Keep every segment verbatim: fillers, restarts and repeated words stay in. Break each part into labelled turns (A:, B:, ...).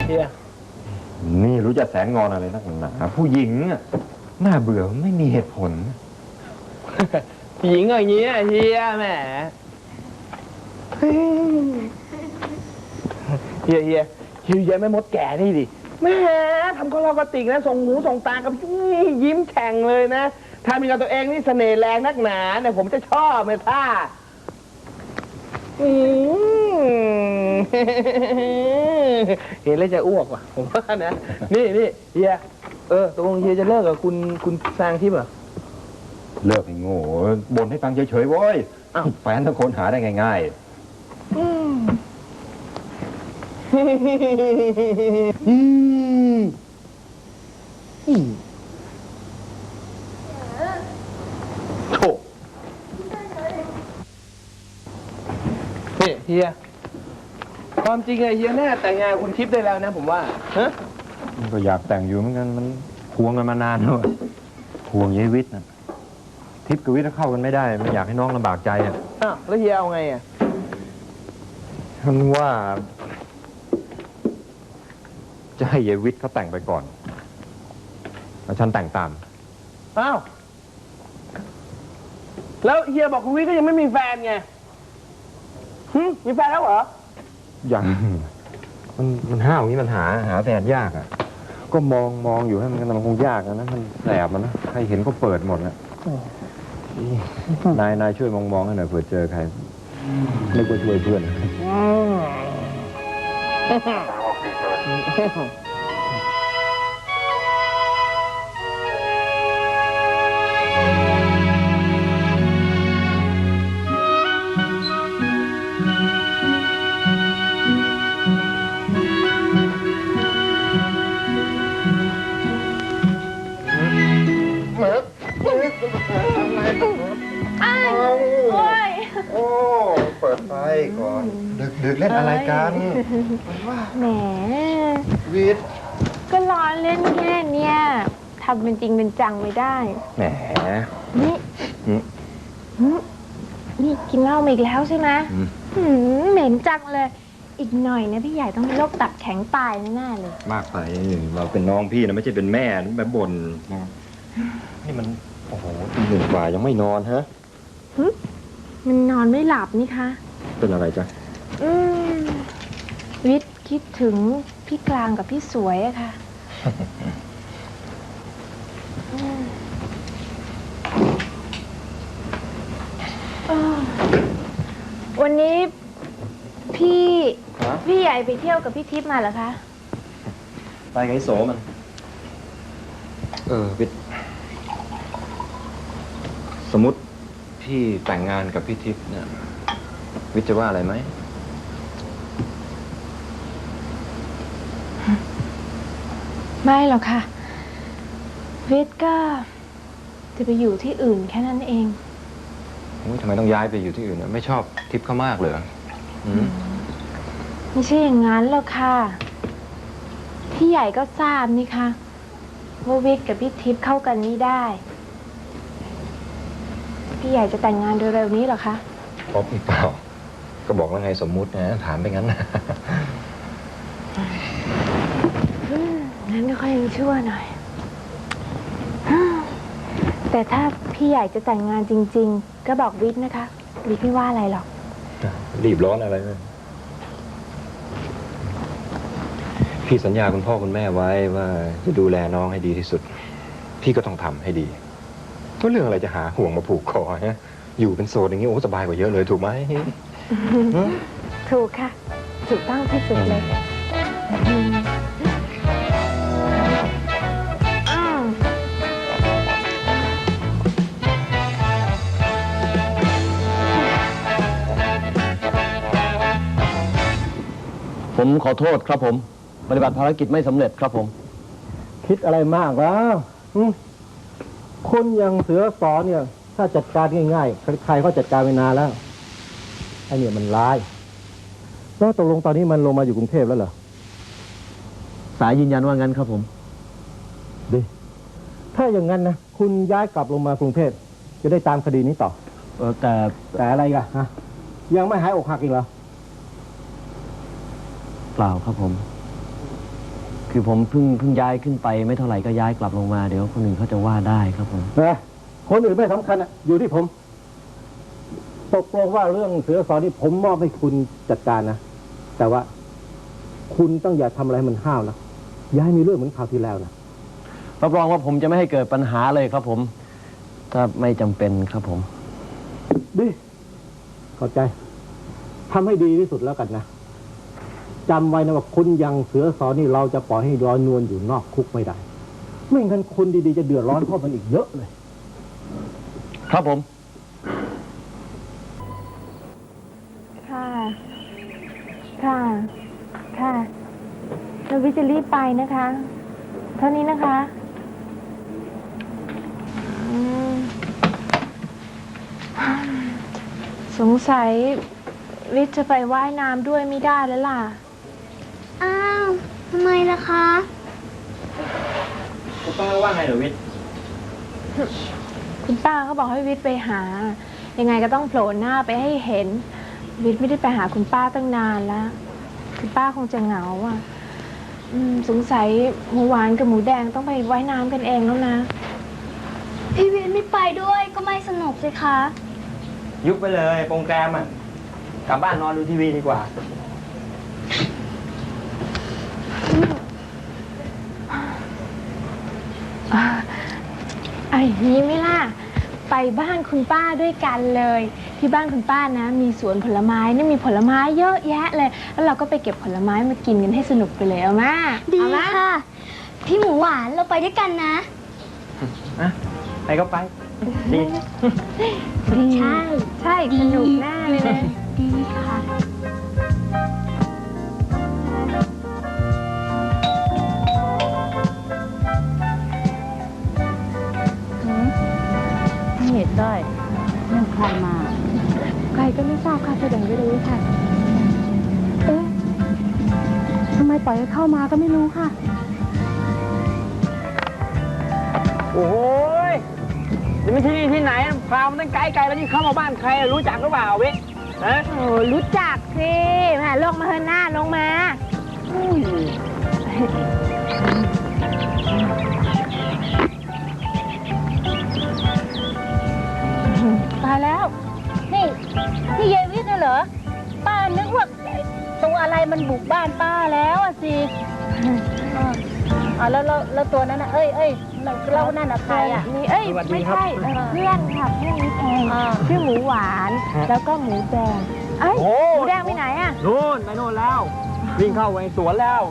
A: เฮีย
B: นี่รู้จะแสงงอนอะไรนักหนาผู้หญิงอ่ะน่าเบื่อไม่มีเหตุผล
A: ผู้หญิงอย่างนี้เฮียแหมเฮียเฮียเฮียเฮียไม่มดแก่นี่ดิแหมทำก็เรากระติกนะส่งหูส่งตากับยิ้มแฉ่งเลยนะถ้ามีกับตัวเองนี่เสน่ห์แรงนักหนาเนี่ยผมจะชอบเลยท่าเห็นแล้วจะอ้วกว่ะผมว่านะนี่นี่เฮียเออตกลงเฮียจะเลิกกับคุณคุณซางทิพย์เหรอ
B: เลิกไอ้โง่บ่นให้ฟังเฉยๆโว้ยแฟนทั้งคนหาได้ง่ายๆโถนี่เฮียความจริงไอ้เฮียแน่แต่งงานคุณทิพย์ได้แล้วนะผมว่าฮะ
C: ก็อยากแต่งอยู่เหมือนกันมันควงกันมานานแล้วควงยายวิทย์นะทิพย์กับวิทย์เข้ากันไม่ได้ไม่อยากให้น้องลำบากใจอ่ะ
A: อ้าวแล้วเฮียเอาไงอ่ะ
C: ฉันว่าจะให้ยายวิทย์เขาแต่งไปก่อนแล้วฉันแต่งตาม
A: อ้าวแล้วเฮียบอกคุณวิทย์ก็ยังไม่มีแฟนไงฮึมีแฟนแล้วเหรอ
C: ยังมันมันห้าวอย่างนี้มันหาหาแฟนยากอ่ะก็มองมองอยู่ให้มันมันคงยากนะมันแสบมันนะใครเห็นก็เปิดหมดนะนายนายช่วยมองมองให้หน่อยเผื่อเจอใครนึกว่าช่วยเพื่อนก่อนดึกๆเล่นอะไรกัน
D: แหม
C: วิทย์
D: ก็ล้อเล่นแค่เนี้ยทำเป็นจริงเป็นจังไม่ได้
C: แหม
D: นี่นี่กินเหล้ามาอีกแล้วใช่ไหมเหม็นจังเลยอีกหน่อยนะพี่ใหญ่ต้องเป็นโรคตับแข็งตายแน่ๆเลย
C: มากไปเราเป็นน้องพี่นะไม่ใช่เป็นแม่แบบบ่นนี่มันโอ้โหตีหนึ่งกว่ายังไม่นอนฮะ
D: มันนอนไม่หลับนี่คะ
C: เป็นอะไรจ๊ะ
D: อืมวิทย์คิดถึงพี่กลางกับพี่สวยอะค่ะวันนี้พี่พี่ใหญ่ไปเที่ยวกับพี่ทิพย์มาเหรอคะ
C: ไปไงโสมันเออวิทย์สมมติพี่แต่งงานกับพี่ทิพย์เนี่ยวิทย์จะว่าอะไรไหม
D: ไม่หรอกค่ะวิทย์ก็จะไปอยู่ที่อื่นแค่นั้นเอง
C: ทำไมต้องย้ายไปอยู่ที่อื่นไม่ชอบทิพย์เขามากเลย
D: ไม่ใช่อย่างนั้นหรอกค่ะพี่ใหญ่ก็ทราบนี่ค่ะว่าวิทย์กับพี่ทิพย์เข้ากันไม่ได้พี่ใหญ่จะแต่งงานเร็วๆนี้หรอคะ
C: พบอีกเปล่าก็บอกแล้วไงสมมุตินะถามไปงั้นนะ
D: งั้นก็ค่อยยังชั่วหน่อยแต่ถ้าพี่ใหญ่จะแต่งงานจริงๆก็บอกวิทย์นะคะวิทย์ไม่ว่าอะไรหรอก
C: รีบร้อนอะไรเลยพี่สัญญาคุณพ่อคุณแม่ไว้ว่าจะดูแลน้องให้ดีที่สุดพี่ก็ต้องทำให้ดีก็เรื่องอะไรจะหาห่วงมาผูกคอฮะอยู่เป็นโสดอย่างนี้โอ้สบายกว่าเยอะเลยถูกไหม
D: ถูกค่ะถูกต้องที่สุดเลย
A: ผมขอโทษครับผมปฏิบัติภารกิจไม่สำเร็จครับผมคิดอะไรมากแล้วคนอย่างเสือสอนเนี่ยถ้าจัดการง่ายๆใครเขาจัดการไปนานแล้วไอ้เนี่ยมันร้ายแล้วตกลงตอนนี้มันลงมาอยู่กรุงเทพแล้วเหรอสายยืนยันว่างั้นครับผมดีถ้าอย่างนั้นนะคุณย้ายกลับลงมากรุงเทพจะได้ตามคดีนี้ต่อเออแต่แต่อะไรกันฮะยังไม่หายอกหักอีกเหรอเปล่าครับผมคือผมเพิ่งเพิ่งย้ายขึ้นไปไม่เท่าไหร่ก็ย้ายกลับลงมาเดี๋ยวคนอื่นเขาจะว่าได้ครับผมนะคนอื่นไม่สำคัญอะอยู่ที่ผมตกลงว่าเรื่องเสือสอนนี่ผมมอบให้คุณจัดการนะแต่ว่าคุณต้องอย่าทำอะไรมันห้าวนะอย่าให้มีเรื่องเหมือนคราวที่แล้วนะรับรองว่าผมจะไม่ให้เกิดปัญหาเลยครับผมถ้าไม่จำเป็นครับผมดีเข้าใจทำให้ดีที่สุดแล้วกันนะจำไว้นะว่าคุณยังเสือสอนนี่เราจะปล่อยให้ลอยนวลอยู่นอกคุกไม่ได้ไม่งั้นคนดีๆจะเดือดร้อนเพราะมันอีกเยอะเลยครับผม
D: ค่ะค่ะค่ะแล้ววิจะรีบไปนะคะเท่านี้นะคะอืมสงสัยวิทย์จะไปว่ายน้ำด้วยไม่ได้แล้วล่ะ
E: อ้าวทำไมล่ะคะ
B: คุณป้าว่าไงเหรอวิทย์
D: คุณป้าเขาบอกให้วิทย์ไปหายังไงก็ต้องโผล่หน้าไปให้เห็นวิทย์ไม่ได้ไปหาคุณป้าตั้งนานแล้วคุณป้าคงจะเหงาอ่ะอืมสงสัยหมูหวานกับหมูแดงต้องไปว่ายน้ำกันเองแล้วนะ
E: พี่วินไม่ไปด้วยก็ไม่สนุกสิคะ
B: ยุบไปเลยโปรงแกรมอ่ะกลับบ้านนอนดูทีวีดีกว่า
D: ไอ้นี้ไม่ล่ะไปบ้านคุณป้าด้วยกันเลยที่บ้านคุณป้านะมีสวนผลไม้นี่มีผลไม้เยอะแยะเลยแล้วเราก็ไปเก็บผลไม้มากินกันให้สนุกไปเลยเอามา
E: ดี
D: เอามา
E: ค่ะ พี่หมูหวานเราไปด้วยกันนะ
B: อะไปก็ไปดี
E: ใช่
D: ใช่สนุกแน่เลยนะ
E: ดีค่ะ
F: ไม่เห็นได้เรื่องใครมา
D: ใครก็ไม่ทราบค่ะแสดงไม่รู้ค่ะเอ๊ะทำไมปล่อยให้เข้ามาก็ไม่รู้ค่ะ
B: โอ้ยนี่มันที่นี่ที่ไหนพามันตั้งไกลไกลแล้วนี่เข้ามาบ้านใครรู้จักหรือเปล่าเว้ยฮะ
D: โอ้รู้จักสิแม่ลงมาเถอะหน้าลงมาตายแล้ว
F: นี่นี่ยายวิทย์น่ะเหรอ ป้านึกว่าตัวอะไรมันบุกบ้านป้าแล้วอ่ะสิอ๋อแล้วแล้วแล้วตัวนั้นน่ะเอ้ยเอ้ยเรานั่นน่ะใครอ่ะ
D: นี่เอ้ยไม่ใช่เอ่อเพื่อนค่ะเพื่อนนิดเอง
F: อ่า
D: ชื่อหมูหวานแล้วก็หมูแดงเอ้ยหมูแดงไปไหนอ่ะ
B: โน่นไปโน่นแล้ววิ่งเข้าไปสวนแล้ว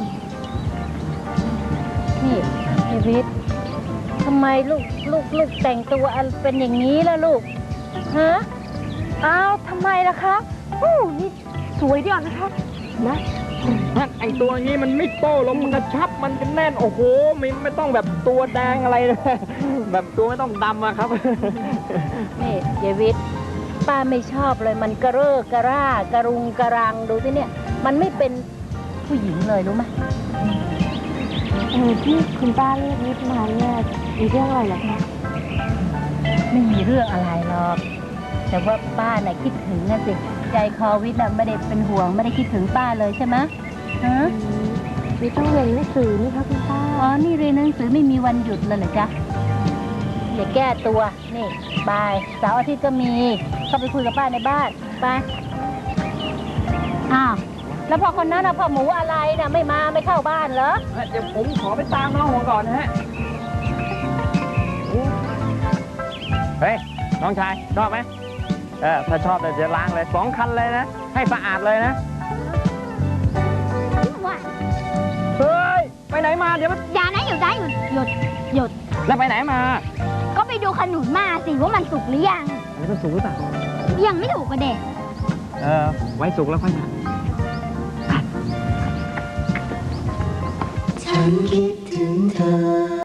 F: นี่ยายวิทย์ทำไมลูกลูกลูกแต่งตัวอันเป็นอย่างนี้ล่ะลูกฮะ
D: อ้าวทำไมล่ะคะอู้นี่สวยดีอ่ะนะคะนะ
B: ไอตัวนี้มันไม่โต้ลมมันกระชับมันเป็นแน่นโอ้โหไม่ไม่ต้องแบบตัวแดงอะไรเลยแบบตัวไม่ต้องดำอะครับ
F: นี่ยายวิทย์ป้าไม่ชอบเลยมันกระเร่อกระร่ากระรุงกระรังดูสิเนี่ย มันไม่เป็นผู้หญิงเลยรู้ไหม
D: เออที่คุณป้าเรียกวิทย์มาเนี่ยมีเรื่องอะไรเหรอคะ
F: ไม่มีเรื่องอะไรหรอก แต่ว่าป้าน่ะคิดถึงนะสิใจคอวิทย์น่ะไม่ได้เป็นห่วงไม่ได้คิดถึงป้าเลยใช่ไหมฮะ
D: วิทย์ต้องเรียนหนังสือนี่คะคุณป้า
F: อ๋อนี่เรียนหนังสือไม่มีวันหยุดเลยเหรอจ๊ะอย่าแก้ตัวนี่บายเสาร์อาทิตย์ก็มีเข้าไปคุยกับป้าในบ้านไปอ้าวแล้วพอคนนั้นนะพ่อหมูอะไรนะไม่มาไม่เข้าบ้านเหรอ
B: เดี๋ยวผมขอไปตามน้องผมก่อนนะฮะเฮ้ยน้องชายชอบไหมเออถ้าชอบเดี๋ยวจะล้างเลยสองคันเลยนะให้สะอาดเลยนะเฮ้ยไปไหนมาเดี๋ยวมัน
E: อย่านะหยุดได้หยุดหยุดหยุด
B: แล้วไปไหนมา
E: ก็ไปดูขนุนมาสิว่ามันสุกหรือยัง
B: อันนี้มันสูงหรือเปล่า
E: ยังไม่ถูกกระเด็ก
B: เออไว้สุกแล้วค่อยมา
G: ฉันคิดถึงเธอ